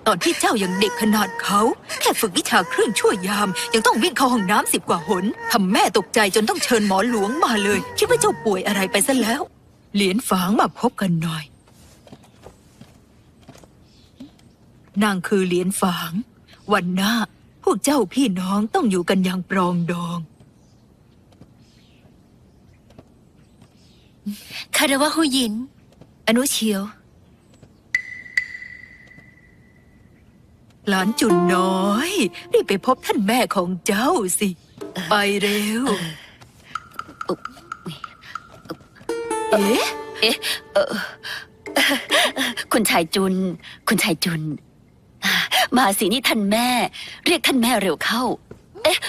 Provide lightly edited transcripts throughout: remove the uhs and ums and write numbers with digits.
อนที่เจ้ายังเด็กขนาดเขาแค่ฝึกวิชาเครื่องชั่วยามยังต้องวิ่งเข้าห้องน้ำ10 กว่าหนทำแม่ตกใจจนต้องเชิญหมอหลวงมาเลยคิดว่าเจ้าป่วยอะไรไปซะแล้วเหรียญฝางมาพบกันหน่อยนางคือเหรียญฝางวันหน้าพวกเจ้าพี่น้องต้องอยู่กันอย่างปรองดองคารวะหูหยินอนุเชียวหลานจุนน้อยรีบไปพบท่านแม่ของเจ้าสิไปเร็วเอ๊ะคุณชายจุนมาสินี่ท่านแม่เรียกท่านแม่เร็วเข้าเอ๊ะ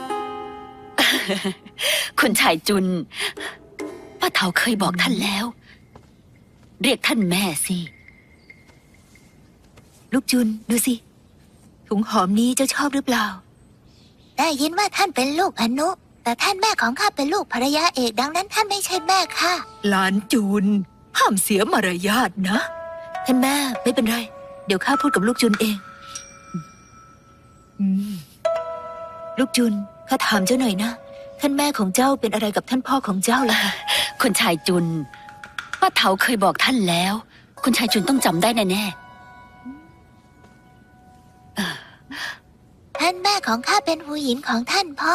คุณชายจุนป้าเฒ่าเคยบอกท่านแล้วเรียกท่านแม่สิลูกจุนดูสิถุงหอมนี้เจ้าชอบหรือเปล่าได้ยินว่าท่านเป็นลูกอนุแต่ท่านแม่ของข้าเป็นลูกภรรยาเอกดังนั้นท่านไม่ใช่แม่ค่ะหลานจุนห้ามเสียมารยาทนะท่านแม่ไม่เป็นไรเดี๋ยวข้าพูดกับลูกจุนเองลูกจุนข้าถามเจ้าหน่อยนะท่านแม่ของเจ้าเป็นอะไรกับท่านพ่อของเจ้าล่ะคุณชายจุนป้าเฒ่าเคยบอกท่านแล้วคุณชายจุนต้องจำได้แน่ท่านแม่ของข้าเป็นหูหยินของท่านพ่อ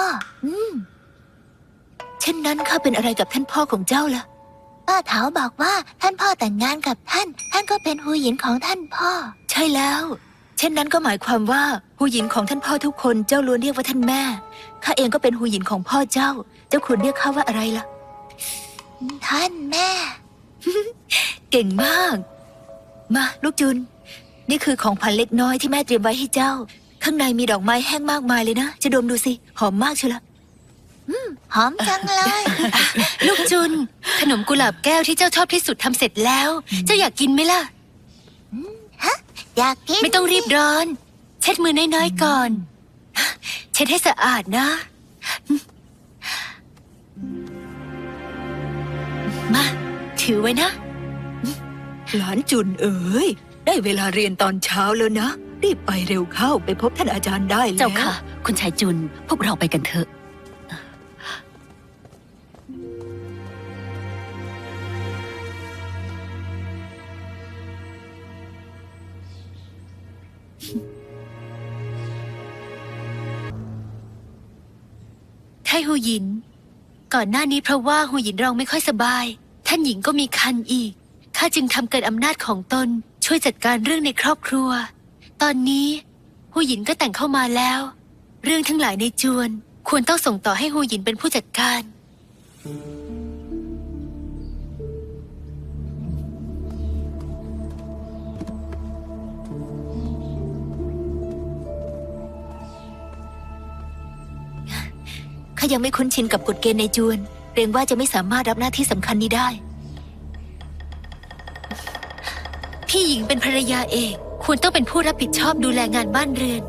เช่นนั้นข้าเป็นอะไรกับท่านพ่อของเจ้าล่ะป้าเฒ่าบอกว่าท่านพ่อแต่งงานกับท่านก็เป็นหูหยินของท่านพ่อใช่แล้วเช่นนั้นก็หมายความว่าหูหยินของท่านพ่อทุกคนเจ้าล้วนเรียกว่าท่านแม่ข้าเองก็เป็นหูหยินของพ่อเจ้าควรเรียกข้าว่าอะไรล่ะท่านแม่เก่งมากมาลูกจุนนี่คือของขวัญเล็กน้อยที่แม่เตรียมไว้ให้เจ้าข้างในมีดอกไม้แห้งมากมายเลยนะจะดมดูสิหอมมากเชียวละหอมจังเลยลูกจุนขนมกุหลาบแก้วที่เจ้าชอบที่สุดทำเสร็จแล้วเจ้าอยากกินไหมล่ะฮะอยากกินไม่ต้องรีบร้อนเช็ดมือน้อยๆก่อนเช็ดให้สะอาดนะมาถือไว้นะหลานจุนเอ๋ยได้เวลาเรียนตอนเช้าแล้วนะรีบไปเร็วเข้าไปพบท่านอาจารย์ได้แล้วเจ้าค่ะคุณชายจุนพวกเราไปกันเถอะไทหูหยินก่อนหน้านี้เพราะว่าหูหยินเราไม่ค่อยสบายท่านหญิงก็มีคันอีกข้าจึงทำเกินอำนาจของตนช่วยจัดการเรื่องในครอบครัวตอนนี้หูหยินก็แต่งเข้ามาแล้วเรื่องทั้งหลายในจวนควรต้องส่งต่อให้หูหยินเป็นผู้จัดการข้ายังไม่คุ้นชินกับกฎเกณฑ์ในจวนเกรงว่าจะไม่สามารถรับหน้าที่สำคัญนี้ได้พี่หญิงเป็นภรรยาเอกควรต้องเป็นผู้รับผิดชอบดูแลงานบ้านเรือน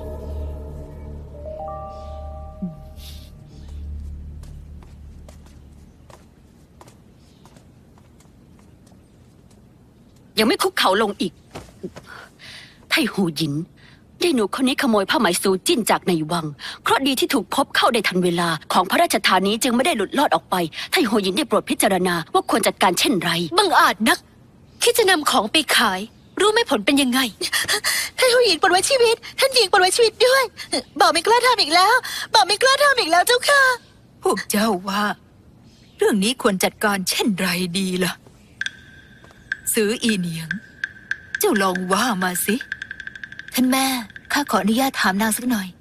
ยังไม่คุกเข่าลงอีกไทหูหยินได้หนูคนนี้ขโมยผ้าไหมซูจิ้นจากในวังเพราะดีที่ถูกพบเข้าได้ทันเวลาของพระราชทานนี้จึงไม่ได้หลุดลอดออกไปไทหูหยินได้โปรดพิจารณาว่าควรจัดการเช่นไรบังอาจนักคิดจะนำของไปขายรู้ไหมผลเป็นยังไงท่านหญิงปลดไว้ชีวิตท่านหญิงปลดไว้ชีวิตด้วยบ่าวไม่กล้าทำอีกแล้วบ่าวไม่กล้าทำอีกแล้วเจ้าค่ะพวกเจ้าว่าเรื่องนี้ควรจัดการเช่นไรดีล่ะซื้ออีเหนียงเจ้าลองว่ามาสิท่านแม่ข้าขออนุญาตถามนางสักหน่อย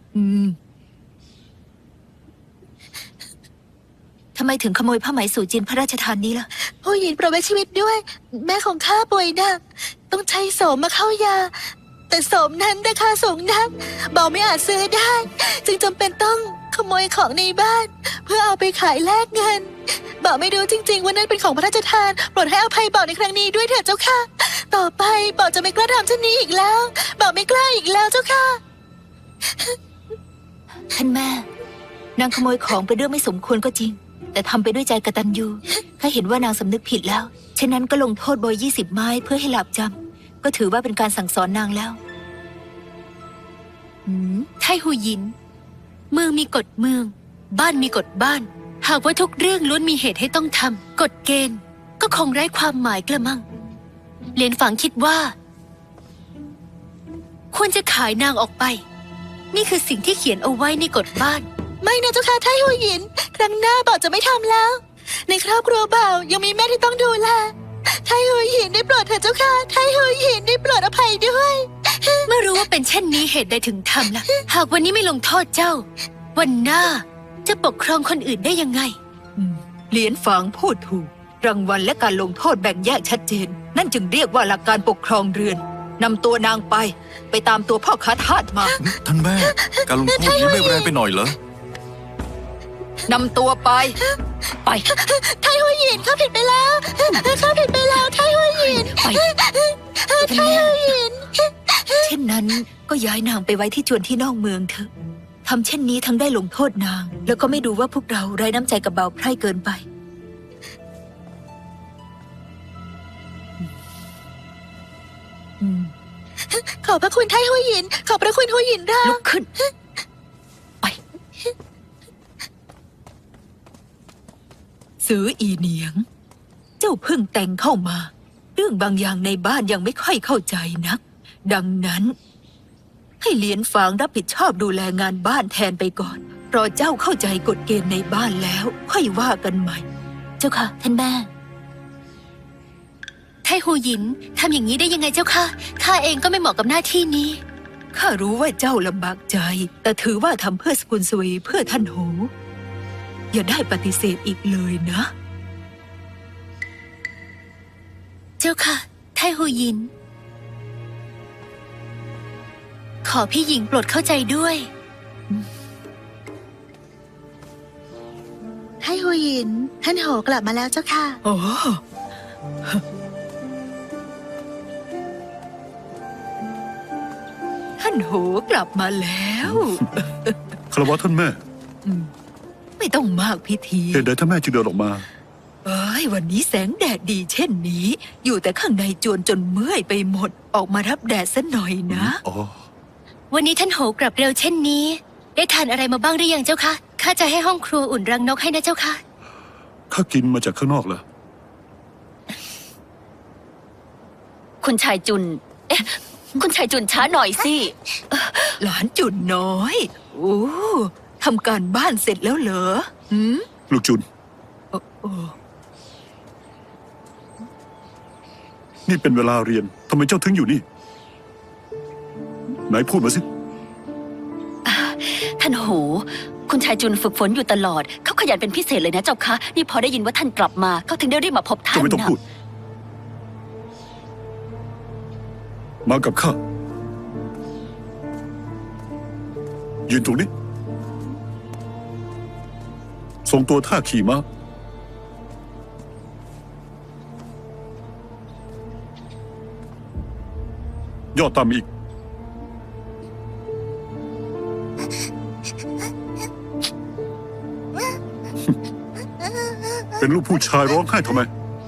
ทำไมถึงขโมยผ้าไหมสู่จินพระราชทานนี้ล่ะผู้หญิงปลดไว้ชีวิตด้วยแม่ของข้าป่วยหนักต้องใช้โสมมาเข้ายาแต่โสมนั้นราคาสูงนักบ่าวไม่อาจซื้อได้จึงจำเป็นต้องขโมยของในบ้านเพื่อเอาไปขายแลกเงินบ่าวไม่รู้จริงๆว่านั่นเป็นของพระราชทานโปรดให้อภัยบ่าวในครั้งนี้ด้วยเถิดเจ้าค่ะต่อไปบ่าวจะไม่กล้าทำเช่นนี้อีกแล้วบ่าวไม่กล้าอีกแล้วเจ้าค่ะท่านแม่นางขโมยของเป็นเรื่องไม่สมควรก็จริงแต่ทำไปด้วยใจกตัญญูข้าเห็นว่านางสำนึกผิดแล้วฉะนั้นก็ลงโทษโบย20 ไม้เพื่อให้หลาบจำก็ถือว่าเป็นการสั่งสอนนางแล้วไทหูหยิน เมืองมีกฎเมือง บ้านมีกฎบ้าน หากว่าทุกเรื่องล้วนมีเหตุให้ต้องทำกฎเกณฑ์ ก็คงไร้ความหมายกระมังเหรียญฝังคิดว่า ควรจะขายนางออกไป นี่คือสิ่งที่เขียนเอาไว้ในกฎบ้านไม่นะเจ้าค่ะไทหูหยิน ครั้งหน้าบ่าวจะไม่ทำแล้ว ในครอบครัวบ่าวยังมีแม่ที่ต้องดูแลไทหูหยินได้โปรดเถอะเจ้าค่ะไทหูหยินได้โปรดอภัยด้วยเมื่อรู้ว่าเป็นเช่นนี้เหตุใดถึงทำล่ะ หากวันนี้ไม่ลงโทษเจ้า วันหน้าจะปกครองคนอื่นได้ยังไงเหรียญฝางพูดถูก รางวัลและการลงโทษแบ่งแยกชัดเจน นั่นจึงเรียกว่าหลักการปกครองเรือนนำตัวนางไปตามตัวพ่อค้าทาสมาท่านแม่ การลงโทษนี้ไม่แรงไปหน่อยเหรอนำตัวไปไทหูหยินข้าผิดไปแล้วข้าผิดไปแล้วไทหูหยินไปไทหูหยินเช่นนั้นก็ย้ายนางไปไว้ที่จวนที่นอกเมืองเถอะทำเช่นนี้ทั้งได้ลงโทษนาง แล้วก็ไม่ดูว่าพวกเราไร้น้ำใจกับเบาไพร่เกินไปขอบพระคุณไทหูหยิน ขอบพระคุณหูหยินราลุกขึ้น ไปซื้ออีเหนียง เจ้าเพิ่งแต่งเข้ามา เรื่องบางอย่างในบ้านยังไม่ค่อยเข้าใจนัก ดังนั้น ให้เหรียญฝางรับผิดชอบดูแลงานบ้านแทนไปก่อนรอเจ้าเข้าใจกฎเกณฑ์ในบ้านแล้ว ค่อยว่ากันใหม่เจ้าค่ะท่านแม่ไทหูหยินทำอย่างนี้ได้ยังไงเจ้าค่ะข้าเองก็ไม่เหมาะกับหน้าที่นี้ข้ารู้ว่าเจ้าลำบากใจ แต่ถือว่าทำเพื่อสกุลสวีเพื่อท่านโห อย่าได้ปฏิเสธอีกเลยนะเจ้าค่ะ ไทหูหยิน ขอพี่หญิงโปรดเข้าใจด้วยไทหูหยิน ท่านโหกลับมาแล้วเจ้าค่ะโอ้ท่านโหกลับมาแล้วคารวะท่านแม่ไม่ต้องมากพิธีเหตุใดท่านแม่จึงเดินออกมาเอ้ยวันนี้แสงแดดดีเช่นนี้ อยู่แต่ข้างในจวนจนเมื่อยไปหมด ออกมารับแดดซะหน่อยนะอ๋อวันนี้ท่านโหกลับเร็วเช่นนี้ ได้ทานอะไรมาบ้างหรือยังเจ้าคะข้าจะให้ห้องครัวอุ่นรังนกให้นะเจ้าค่ะข้ากินมาจากข้างนอกเหรอคุณชายจุน คุณชายจุนช้าหน่อยสิหลานจุนน้อย โอ้ทำการบ้านเสร็จแล้วเหรอหืมลูกจุนโอ้นี่เป็นเวลาเรียน ทำไมเจ้าถึงอยู่นี่ ไหนพูดมาสิท่านโห คุณชายจุนฝึกฝนอยู่ตลอด เขาขยันเป็นพิเศษเลยนะเจ้าคะ นี่พอได้ยินว่าท่านกลับมา เขาถึงได้รีบมาพบท่าเจ้าน ไม่ต้องนะพูด มากับข้า ยืนตรงนี้ ส่งตัวท่าขี่ม้า ย่อต่ำอีก เป็นลูกผู้ชายร้องไห้ทำไม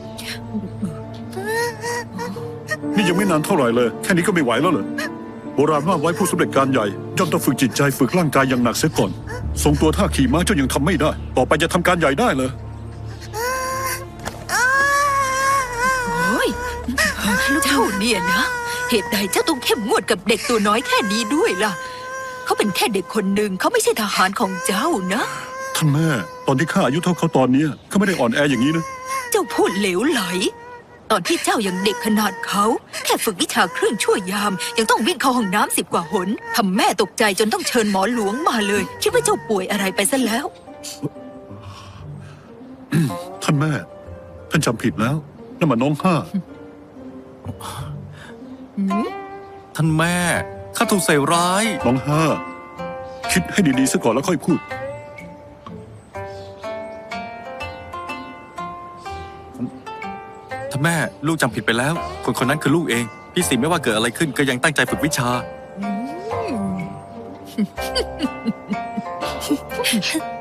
นี่ยังไม่นานเท่าไหร่เลย แค่นี้ก็ไม่ไหวแล้วเหรอ โบราณว่าไว้ผู้สำเร็จการใหญ่ย่อมต้องฝึกจิตใจฝึกร่างกายอย่างหนักเสียก่อน ทรงตัวท่าขี่ม้าเจ้ายังทำไม่ได้ ต่อไปจะทำการใหญ่ได้เลยยเจ้าเนี่ยนะ เหตุใดเจ้าต้องเข้มงวดกับเด็กตัวน้อยแค่นี้ด้วยล่ะ เขาเป็นแค่เด็กคนหนึ่งเขาไม่ใช่ทหารของเจ้านะท่านแม่ ตอนที่ข้าอายุเท่าเขาตอนเนี้ยเขาไม่ได้อ่อนแออย่างนี้นะเจ้าพูดเหลวไหล ตอนที่เจ้ายังเด็กขนาดเขา แค่ฝึกวิชาเครื่องชั่วยาม ยังต้องวิ่งเข้าห้องน้ำ10 กว่าหนทำแม่ตกใจจนต้องเชิญหมอหลวงมาเลย คิดว่าเจ้าป่วยอะไรไปซะแล้วท่านแม่ ท่านจำผิดแล้วนั่นมันน้องห้าท่านแม่ ข้าถูกใส่ร้ายน้องห้า คิดให้ดีๆซะก่อนแล้วค่อยพูดท่านแม่ ลูกจำผิดไปแล้ว คนคนนั้นคือลูกเอง พี่สิไม่ว่าเกิดอะไรขึ้นก็ยังตั้งใจฝึกวิชา